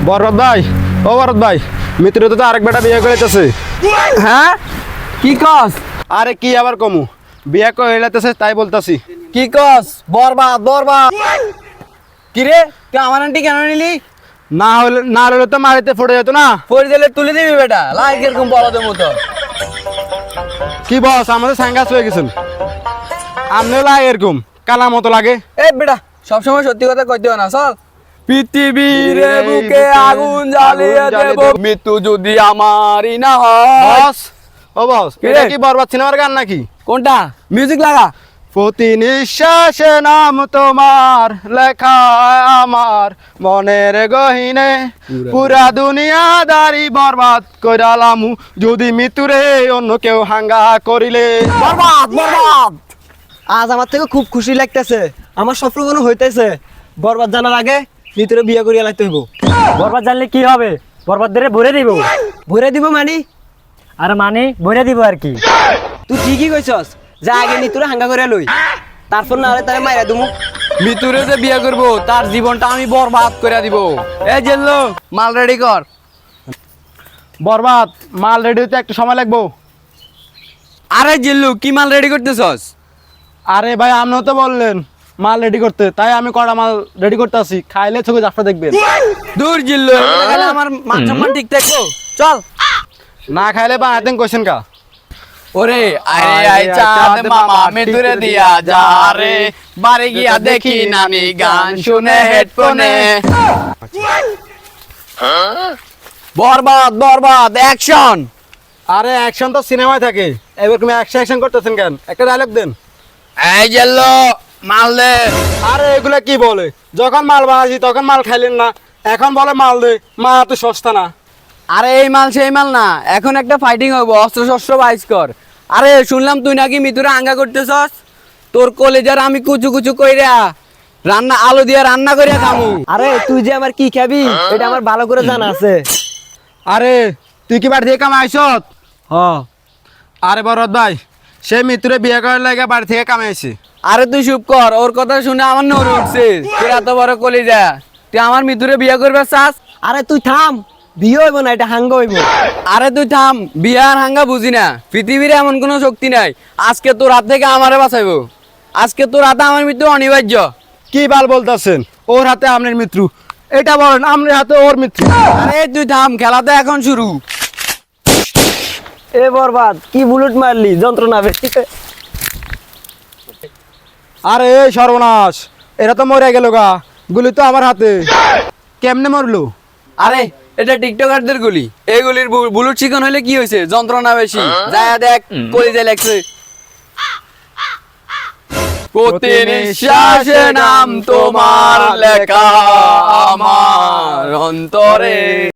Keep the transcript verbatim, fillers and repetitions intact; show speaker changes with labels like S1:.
S1: বরবাদ ভাই, ও বরবাদ ভাই, মিত্র তো আরেক বেটা বিয়ে করেছে।
S2: হ্যাঁ কি কস?
S1: আরে কি আবার কমু, বিয়ে করেছে তাই বলতাছি।
S2: কি কস? বরবাদ বরবাদ। কি রে, তুই আমার আন্টি কেন নিলি?
S1: না হলে না হলে তো মারিতে ফুটে যেত না।
S2: পরি দিলে তুলে দিবি বেটা, লাইক এরকম বলদের মতো।
S1: কি বস, আমাদের সাঙ্গাস হয়ে গেছেন। আমনেও লাগে এরকম কালা মতো লাগে।
S2: এ বেটা, সবসময় সত্যি কথা কইতে হয় না, চল। পৃথিবীর বুকে আগুন জ্বালিয়ে দেব, মৃত্যু যদি আমারই না হয়।
S1: বস, ও বস,
S2: কি রে?
S1: এটা কি বরবাদ সিনেমার গান নাকি?
S2: কোনটা? মিউজিক লাগা।
S1: প্রতি নিঃশ্বাসে নাম তোমার লেখা আমার মনের গহিনে, পুরা দুনিয়াদারি বরবাদ কইরালামু যদি মৃত্যুরে অন্য কেউ হাঙ্গা করিলে।
S3: বরবাদ বরবাদ। আজ আমার থেকে খুব খুশি লাগতেছে, আমার স্বপ্ন কোনো হইতেছে। বরবাদ জানার আগে ভিতরে বিয়ে করিয়া লাগতে হইব।
S4: বরবাদ জানলে কি হবে? বরবাদ ধরে ভরে দিব।
S3: ভরে দিব মানি?
S4: আর মানে ভরে দিব আর কি।
S3: তুই ঠিকই কইছস, যা আগে নিতুরে হাঙ্গা করে লই, তারপর না হলে তারে মাইরা দুমু।
S2: মৃত্যুরে যে বিয়ে করবো তার জীবনটা আমি বরবাদ করে দিব। এ জেল্লো, মাল রেডি কর।
S1: বরবাদ মাল রেডি হতে একটু সময় লাগবো।
S2: আরে জিল্লু, কি মাল রেডি করতেছস?
S1: আরে ভাই, আপনিও তো বললেন মাল রেডি করতে, তাই আমি কড়া মাল রেডি করতে আসি। খাইলে চোখে জাফটা দেখবেন।
S2: দূর জিল্লু, এগুলো খেলে আমার মান সম্মান ঠিক থাকবো। চল।
S1: না খাইলে বা আতেন কোয়েশ্চেন কা।
S2: ওরে আরে আই চাঁদ মামা মৃত্যুরে দিয়া যা রে, বাড়ি গিয়া দেখি নামি গান শুনে হেডফোনে। বরবাদ বরবাদ অ্যাকশন।
S1: আরে অ্যাকশন তো সিনেমায় থাকে, এবার তুমি অ্যাকশন অ্যাকশন করতেছেন কেন? একটা ডায়লগ দেন।
S2: এই জেল্লো, মাল দে।
S1: আরে এগুলা কি বলে? যখন মাল বানাইছি তখন মাল খাইলেন না, এখন বলে মাল দে। মা তো সস্তা না।
S2: আরে এই মাল সেই মাল না, এখন একটা ফাইটিং হইব, অস্ত্র শস্ত্র বাইস কর। আরে শুনলাম তুই নাকি মিতুরে আঙ্গা করতেছস, তোর কলেজার আমি কুচু কুচু কইরা রান্না আলু দিয়া রান্না করিয়া খামু।
S3: আরে তুই যে আমার কি খাবি এটা আমার ভালো করে জানা আছে।
S1: আরে তুই কি বাড়ি থেকে কামাইছ?
S3: হ।
S1: আরে বরদ ভাই, সে মিত্রে বিয়ে করার লাগে বাড়ি থেকে কামাইছে।
S2: আরে তুই চুপ কর, ওর কথা শুনে আমার নড় উঠছে। তুই এত বড় কলিজা, তুই আমার মিতুরে বিয়ে করবে চাস?
S3: আরে তুই থাম, বিয়ে হইব না, এটা হাঙ্গা হইব।
S2: আরে তুই থাম, বিয়ে আর হাঙ্গা বুঝি না। পৃথিবীর এমন কোনো শক্তি নাই আজকে তোর হাত থেকে আমারে বাঁচাইবো। আজকে তোর হাতে আমার মৃত্যু অনিবার্য।
S1: কি বাল বলতেছেন? ওর হাতে আপনার মৃত্যু, এটা বলেন আপনার হাতে ওর মৃত্যু।
S2: আরে তুই থাম, খেলা তো এখন শুরু।
S3: এ বরবাদ, কি বুলেট মারলি, যন্ত্রণা বেশি।
S1: আরে এই সর্বনাশ, এরা তো মরে গেল গা। গুলি তো আমার হাতে, কেমনে মরলো?
S2: আরে এটা টিকটকারদের গুলি, এই গুলির বু- বুলেট চিকন হইলে কি হয়েছে, যন্ত্রণা বেশি। যায় দেখ কলিজা লেগছে। প্রতি নিঃশ্বাসে নাম তোমার লেখা আমার অন্তরে।